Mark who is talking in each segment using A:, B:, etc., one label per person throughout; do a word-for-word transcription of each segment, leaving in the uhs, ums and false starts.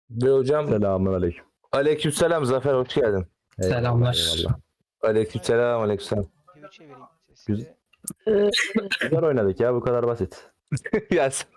A: Ve hocam
B: Selamünaleyküm.
A: aleykümselam Zafer, hoş geldin.
B: Eyvallah,
C: Selamlar.
B: eyvallah.
A: Aleykümselam aleykümselam.
D: Twitch'e vereyim sesi.
B: Güz- Güzel oynadık ya, bu kadar basit.
A: Ya sen-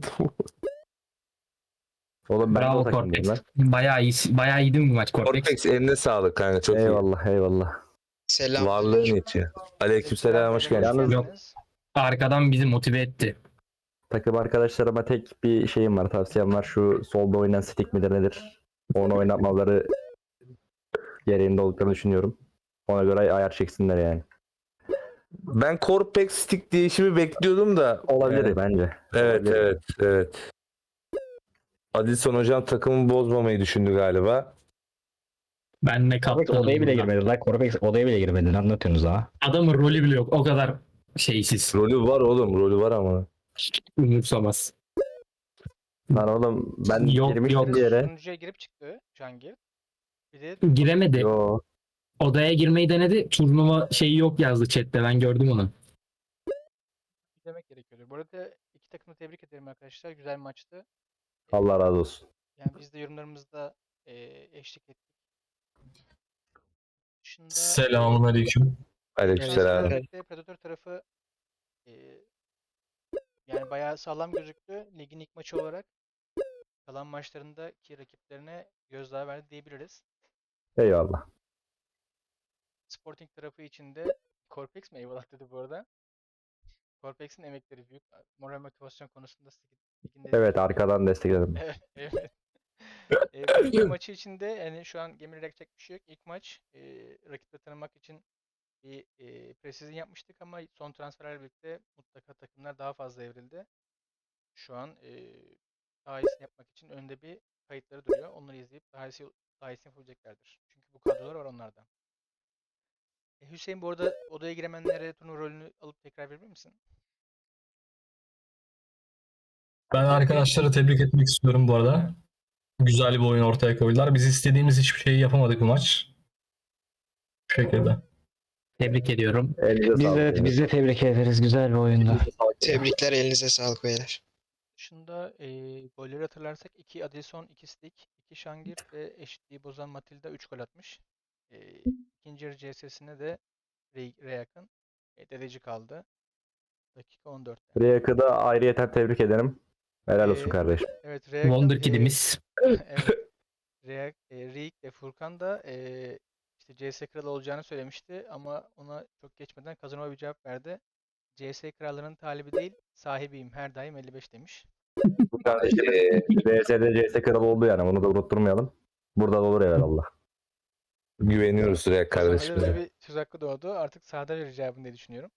B: Oğlum ben de o
C: Bravo
B: takımdayım
C: Cortex.
B: lan.
C: Bayağı iyi, bayağı iyiydi bu maç Cortex.
A: Cortex eline sağlık kanka, çok
B: Eyvallah eyvallah.
A: iyi.
E: Selam.
A: Varlığın yetiyor. Aleykümselam, hoş geldin.
B: Yalnız-
C: Yok. Arkadan bizi motive etti.
B: Takım arkadaşlarıma tek bir şeyim var, tavsiyem var. Şu solda oynayan stick midir nedir? Onu oynatmaları gereğinde olduklarını düşünüyorum. Ona göre ayar çeksinler yani.
A: Ben Cortex stick değişimi bekliyordum da.
B: Olabilir
A: Evet,
B: bence.
A: evet,
B: Olabilir.
A: evet, evet. Adilson hocam takımı bozmamayı düşündü galiba.
C: Ben ne
F: Corvex
C: kaptanım.
F: odaya bile
C: burada.
F: girmedi lan. Corvex odaya bile girmedi. Ne anlatıyorsunuz ha?
C: Adamın rolü bile yok. O kadar şeysiz.
A: Rolü var oğlum, rolü var ama.
C: Umursamaz.
B: Lan oğlum ben
C: Yok,
B: girmiştim
C: yok.
B: bir yere.
D: Sunucuya girip çıktı Cangir. Bir de
C: Giremedi.
B: Yo.
C: Odaya girmeyi denedi. Turnuva şeyi yok yazdı chatte. Ben gördüm onu.
D: demek gerekiyordu. Bu arada iki takımı tebrik ederim arkadaşlar. Güzel maçtı.
B: Allah razı olsun.
D: Yani biz de yorumlarımızda eee eşlik ettik. Dışında
G: Selamünaleyküm.
A: Aleykümselam.
D: Predator, Predator tarafı eee, yani bayağı sağlam gözüktü. Ligin ilk maçı olarak. Kalan maçlarındaki rakiplerine gözdağı verdi diyebiliriz.
B: Eyvallah.
D: Sporting tarafı için de Corpex mi eyvallah dedi bu arada. Corpex'in emekleri büyük. Moral motivasyon konusunda ligin
B: Evet, arkadan destekledim.
D: Evet, evet. Eee, bu iki maçı içinde yani şu an gemi yapacak bir şey yok. İlk maç eee rakibi tanımak için bir eee pre-season yapmıştık ama son transferlerle birlikte mutlaka takımlar daha fazla evrildi. Şu an eee daha iyisini yapmak için önde bir kayıtları duruyor. Onları izleyip daha iyisi, daha iyisini yapabileceklerdir. Çünkü bu kadrolar var onlarda. E, Hüseyin bu arada odaya giremenlere turnuva rolünü alıp tekrar verir misin?
G: Ben arkadaşları tebrik etmek istiyorum bu arada. Güzel bir oyun ortaya koydular. Biz istediğimiz hiçbir şeyi yapamadık bu maç. Bu şekilde.
C: Tebrik ediyorum.
B: Elinize
F: Biz
B: sağlık.
F: de, biz de tebrik ederiz. Güzel bir oyundu.
E: Tebrikler, elinize sağlık beyler.
D: Dışında eee golleri hatırlarsak iki Adilson, iki Stick, iki Şangir ve eşitliği bozan Matilda üç gol atmış. Eee ikinci yarı C S'sine de Re- Reyak'ın e, dedeci kaldı. Dakika on dörtte.
B: Riyak'ı da ayrıyeten tebrik ederim. Helal olsun
D: Ee,
B: kardeşim.
D: Evet Reyak'ın
C: Wonder
D: eee,
C: Kid'imiz.
D: evet Reyak, e, Reik ve Furkan da eee işte C S kralı olacağını söylemişti ama ona çok geçmeden Kazanova bir cevap verdi. C S krallarının talibi değil, sahibiyim. Her daim elli beş demiş.
B: Bu kardeşim V S'de C S kralı oldu yani, bunu da unutturmayalım. Burada da olur evvelallah.
A: Güveniyoruz Rek
D: O zaman öyle
A: kardeşimize.
D: bir söz hakkı doğdu. Artık sahada verir cevabını diye düşünüyorum.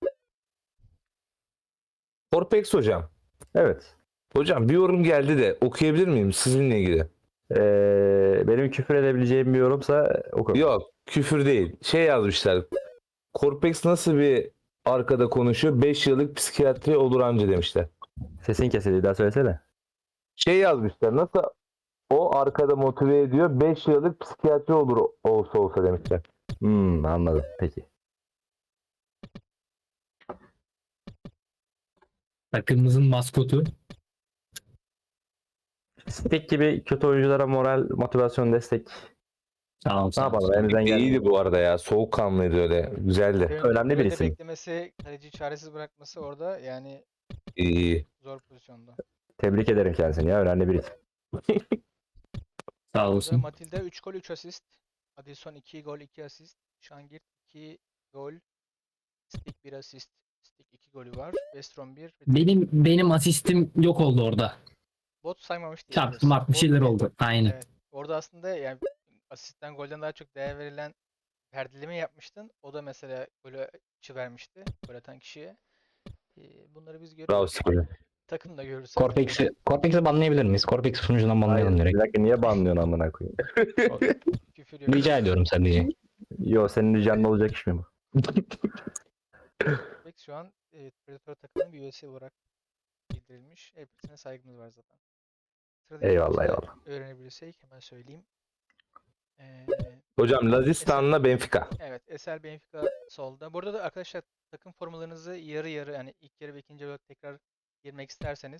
A: Cortex hocam.
B: Evet.
A: Hocam bir yorum geldi de okuyabilir miyim sizinle ilgili?
B: Ee, benim küfür edebileceğim bir yorumsa oku.
A: Yok, küfür değil. Şey yazmışlar. Cortex nasıl bir arkada konuşuyor? beş yıllık psikiyatri olur anca demişler.
B: Sesin kesildi, daha söylesene.
A: Şey yazmışlar. Nasıl o arkada motive ediyor? beş yıllık psikiyatri olur olsa olsa demişler.
B: Hmm, anladım. Peki.
C: Takımımızın maskotu.
B: Stick gibi kötü oyunculara moral, motivasyon, destek.
C: Sağ ol.
B: Ne
C: Sağ ol.
B: yapalım? Elimizden geldi.
A: İyiydi bu arada ya. Soğukkanlıydı öyle. Güzeldi.
D: Kalede-
B: önemli bir
D: kalede
B: isim.
D: beklemesi, kaleciyi çaresiz bırakması orada yani
A: İyi, iyi.
D: zor pozisyonda.
B: Tebrik ederim kendisini ya. Önemli bir isim.
C: Sağ
D: Burada
C: olsun.
D: Matilda üç gol üç asist. Adilson iki gol iki asist. Şangir iki gol. Stick bir asist. Stick iki golü var. Westrom bir.
C: Benim benim asistim yok oldu orada.
D: Bot saymamış diye.
C: Çarptı mart bir şeyler oldu. Aynen.
D: Evet. Orada aslında yani asistten golden daha çok değer verilen perdeleme yapmıştın. O da mesela golü açı vermişti. Gol atan kişiye. Ee, bunları biz
A: Bravo
D: görüyoruz.
A: Spor.
D: Takım da görürüz.
F: Corpex'i Corpex'i banlayabilir miyiz? Corpex'i sunucudan banlayalım
B: Hayır,
F: direkt.
B: bir dakika, niye banlıyorsun amına koyayım?
D: Küfür yok.
F: Rica ediyorum sadece.
B: Yo, senin ricanın olacak iş mi bu?
D: Corpex şu an e, Predator takımının bir üyesi olarak bildirilmiş. Hepsine saygımız var zaten. Sıradaki
B: Eyvallah,
D: maçı
B: eyvallah.
D: öğrenebilirsek hemen söyleyeyim. Ee,
A: Hocam Lazistan'la Benfica.
D: evet, Esel Benfica solda. Burada da arkadaşlar takım formalarınızı yarı yarı yani ilk yarı ve ikinci yarı tekrar girmek isterseniz